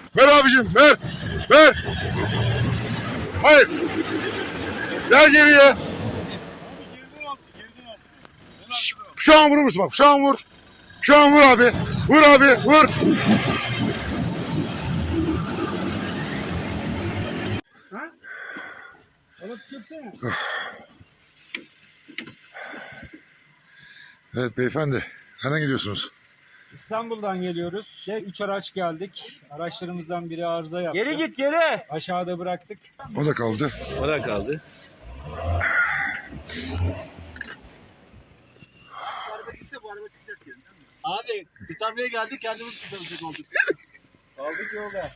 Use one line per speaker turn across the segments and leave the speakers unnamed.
Ver abicim, ver. Ver. Hayır. Gel geriye.
Geriden alsın, geriden alsın.
Şu an vurur musun bak? Şu an vur. Şu an vur abi. Vur abi, vur.
Alıp çöksene.
Evet beyefendi. Nereden gidiyorsunuz?
İstanbul'dan geliyoruz. 3 araç geldik. Araçlarımızdan biri arıza yaptı.
Geri git geri.
Aşağıda bıraktık.
O da kaldı.
O da kaldı.
Abi kurtarmaya geldik, kendimiz kurtaracak olduk.
Kaldık yolda.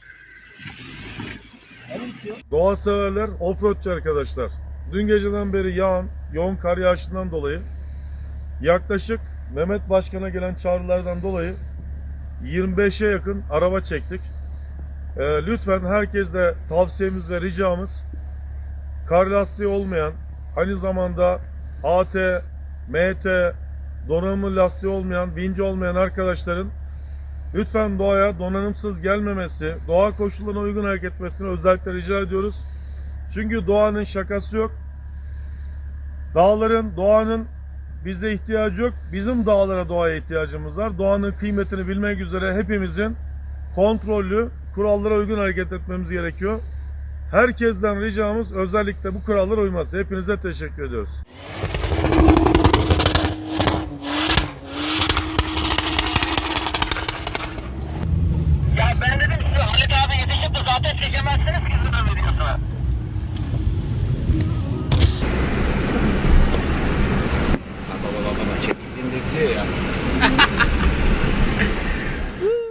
Doğa severler, offroadçı arkadaşlar. Dün geceden beri yağan, yoğun kar yağışından dolayı yaklaşık Mehmet Başkan'a gelen çağrılardan dolayı 25'e yakın araba çektik. Lütfen herkesle tavsiyemiz ve ricamız kar lastiği olmayan, aynı zamanda AT, MT, donanımlı lastiği olmayan, vinci olmayan arkadaşların lütfen doğaya donanımsız gelmemesi, doğa koşullarına uygun hareket etmesini özellikle rica ediyoruz. Çünkü doğanın şakası yok. Dağların, doğanın bize ihtiyacı yok. Bizim dağlara, doğaya ihtiyacımız var. Doğanın kıymetini bilmek üzere hepimizin kontrollü, kurallara uygun hareket etmemiz gerekiyor. Herkesten ricamız özellikle bu kurallara uyması. Hepinize teşekkür ediyoruz.
Ya ben dedim size Halit abi yetişip de zaten çekemezsiniz ki sizin videosuna.